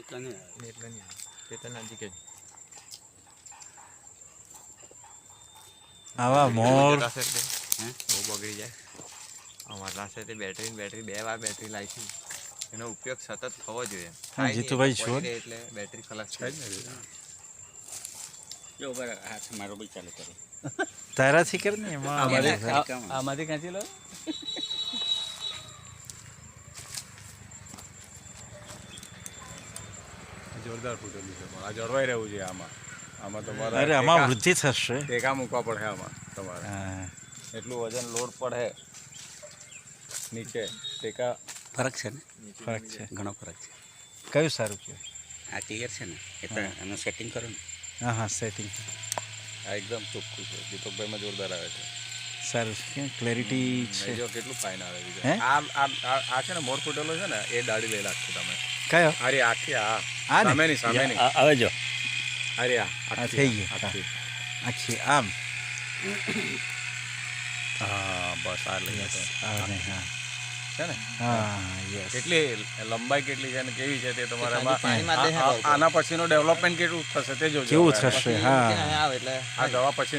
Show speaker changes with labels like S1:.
S1: એટલા નહીં આવે.
S2: તે તો નજીક જ
S3: આવા મોર
S2: જતા છે એટલે બહુ બગડી જાય. અમારા પાસે તે બેટરી 2 વાર બેટરી લાવી છે. એનો ઉપયોગ સતત થવો જોઈએ. થાય નહીં
S3: જીતુભાઈ
S2: એટલે
S3: છો?
S2: પડી રહે એટલે બેટરી ખલાસ થાય જ ને.
S1: જો બરાબર હાથ મારો બી ચાલુ કરો.
S3: તારાથી કર ને એમાં
S1: આમાંથી ખેંચી લો.
S4: જોરદાર ફૂટેલું છે પણ આ જળવાઈ રહેવું છે આમાં. આમાં તમારે
S3: અરે આમાં વૃદ્ધિ થશે.
S4: ટેકા મૂકવા પડે આમાં તમારે.
S3: હા.
S4: એટલું વજન લોડ પડે નીચે ટેકા.
S1: ફરક છે ને,
S3: ફરક છે.
S1: ઘણો ફરક છે.
S3: કયું સારું છે?
S1: આ ક્લિયર છે ને એટલે એનું સેટિંગ કરો ને.
S3: હા હા સેટિંગ
S4: આ એકદમ ચોખ્ખું છે. દીપકભાઈમાં જોરદાર આવે છે.
S3: સારું છે. ક્લેરિટી છે.
S4: જો કેટલું ફાઇન આવે છે.
S3: હે?
S4: આ છે ને મોર ફૂટેલો છે ને એ દાઢી લઈ લાગશે તમે.
S3: કયો?
S4: અરે આખી આ
S3: આ ને?
S4: સામેની
S1: હવે જો
S4: અરે આ
S3: આ થઈ ગયું.
S4: આખી.
S3: આખી આમ
S4: હા બસ આ લઈ જશે.
S3: હા ને, હા
S4: છે ને
S3: હા યસ.
S4: કેટલી લંબાઈ કેટલી છે અને કેવી છે તે તમારે
S1: પાણીમાં દેખાડો.
S4: આના પછીનું ડેવલપમેન્ટ કેટલું થશે તે જોજો.
S3: કેવું થશે? હા
S1: આવે એટલે
S4: આ દવા પછી